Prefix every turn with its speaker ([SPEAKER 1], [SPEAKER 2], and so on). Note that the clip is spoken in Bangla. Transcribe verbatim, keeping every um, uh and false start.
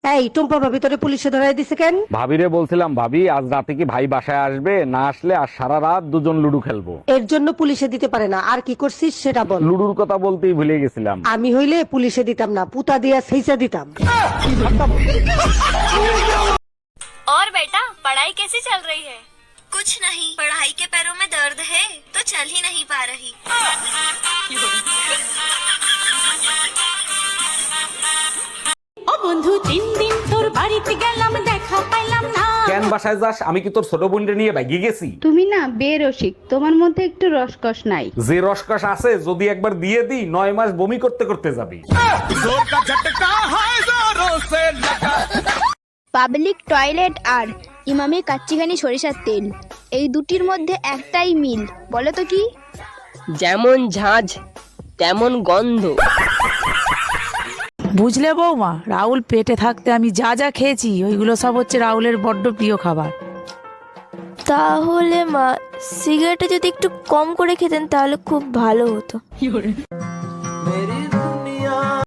[SPEAKER 1] এই টুম্পা ভাবি তোরে পুলিশে ধরাই দিছে কেন?
[SPEAKER 2] ভাবিরে বলছিলাম, ভাবি আজ রাতে কি ভাই বাসায় আসবে? না আসলে আর সারা রাত দুজন লুডো খেলবো।
[SPEAKER 1] এর জন্য পুলিশে দিতে পারে না। আর কি করছিস সেটা বল।
[SPEAKER 2] লুডুর কথা বলতেই ভুলে গেছিলাম।
[SPEAKER 1] আমি হইলে পুলিশে দিতাম না, পুতা দিয়া সেইচা দিতাম।
[SPEAKER 3] और बेटा पढ़ाई कैसी चल रही है?
[SPEAKER 4] कुछ नहीं, पढ़ाई के पैरों में दर्द है तो चल ही नहीं पा रही।
[SPEAKER 5] ও বন্ধু, তিন দিন তোর বাড়িতে গেলাম, দেখা পাইলাম না।
[SPEAKER 2] কেন বাসায় যাস? আমি কি তোর ছোট বোনকে নিয়ে ভাগি গেছি?
[SPEAKER 6] তুমি না বেরসিক, তোমার মধ্যে একটু রসকস নাই।
[SPEAKER 2] যে রসকস আছে যদি একবার দিয়ে দিই নয় মাস বমি করতে করতে যাবি।
[SPEAKER 7] পাবলিক টয়লেট আর ইমামি কাচ্চিঘানি সরিষার তেল, এই দুটির মধ্যে একটাই মিল, বলো তো কি?
[SPEAKER 8] যেমন ঝাঁঝ তেমন গন্ধ।
[SPEAKER 9] বুঝলে বৌমা, রাহুল পেটে থাকতে আমি যা যা খেয়েছি ওইগুলো সব হচ্ছে রাহুলের বড্ড প্রিয় খাবার।
[SPEAKER 7] তাহলে মা, সিগারেটটা যদি একটু কম করে খেতেন তাহলে খুব ভালো হতো।